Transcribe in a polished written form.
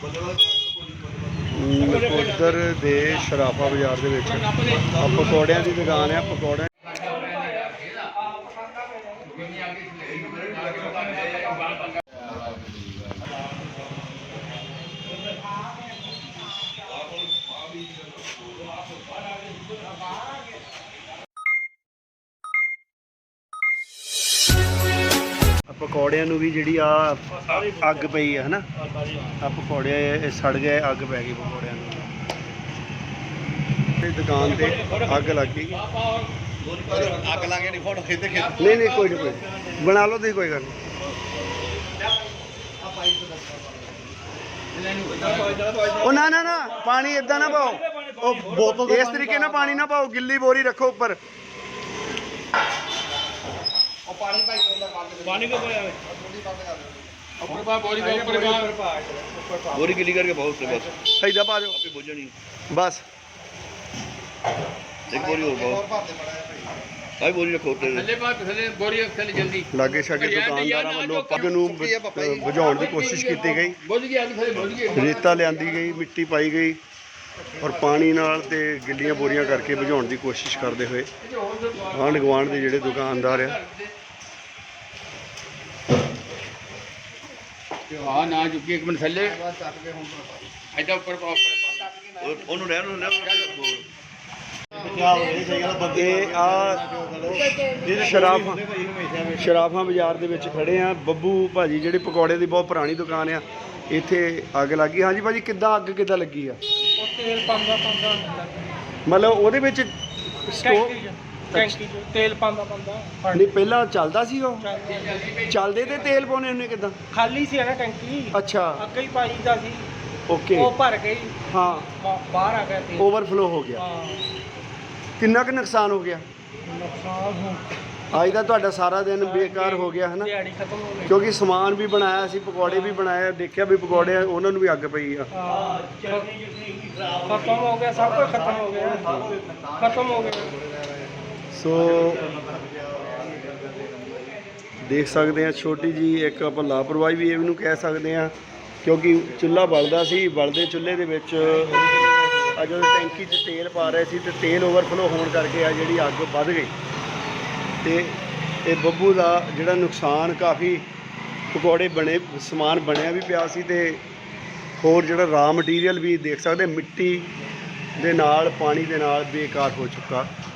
उधर दे शराफा बाजार दे विच पकौड़ियां दी दुकान है। पकौड़े पकौड़ियां नूं भी जिहड़ी आ अग पई है ना, आ पकौड़े सड़ गए, अग पै गई पकौड़ियां नूं। दुकान ते अग लग गई। अग ला के नहीं फोटो खींचते नहीं नहीं कोई नहीं, कोई बना लो तुसीं, कोई गल नहीं। ओ ना ना ना पानी इदां ना पाओ, इस तरीके ना पानी ना पाओ, गिल्ली बोरी रखो ऊपर। बोरी गिली करके बहुत बस इधर पा दो बस। एक बोरी और बहुत भाई बोरी रखो लागे शागे दुकानदारां वालों अग नूं बुझाउण दी कोशिश की गई। रेता लियांदी गई, मिट्टी पाई गई और पानी नाल ते गिल्लियां बोरियां करके बुझाउण दी कोशिश करते हुए आंढ गुआंढ दे जिहड़े दुकानदार आ ना चुकी एक मिनट थले ऐसा ऊपर ओनू रहन शराफा बाजार दे विच खड़े आ। बब्बू भाजी जिहड़ी पकौड़े दी बहुत पुरानी दुकान आ, इत्थे अग लग गई। हाँ जी भाजी, किद्दां अग किद्दां लगी आ? मतलब ਉਹਦੇ ਵਿੱਚ तेल पांदा नहीं पहला चलदा सी ਉਹ ਚੱਲਦੇ ਤੇ ਤੇਲ ਪਾਉਣੇ ਉਹਨੇ ਕਿਦਾਂ? खाली सी है ना टंकी। अच्छा ਅੱਗੇ ਹੀ ਪਾਈ ਦਾ ਸੀ। ओके ਉਹ ਭਰ गई। हाँ ਬਾਹਰ ਆ ਗਿਆ तेल। ओवरफ्लो हो गया। किन्ना क नुकसान हो गया? नुकसान हो आज का तुहाडा सारा दिन बेकार हो गया है ना, दिहाड़ी खत्म हो गई। क्योंकि समान भी बनाया सी, पकौड़े भी बनाए, देखिया भी पकौड़े उन्होंने भी अग पई आ। खत्म हो गया, सब कुछ खत्म हो गया, खत्म हो गया। सो देख सकते हैं छोटी जी एक आप लापरवाही भी इहनूं कह सकते हैं, क्योंकि चुल्हा बलदा सी, बलदे चुल्हे दे विच जो टैंकी च तेल पा रहे सी ते तेल ओवरफ्लो होने करके आ जिहड़ी अग वध गई। तो ये बब्बू का जिहड़ा नुकसान काफ़ी पकौड़े बने, समान बनया भी पिया सी ते होर जिहड़ा रॉ मटीरियल भी देख सकते मिट्टी दे नाल पानी दे नाल बेकार हो चुका।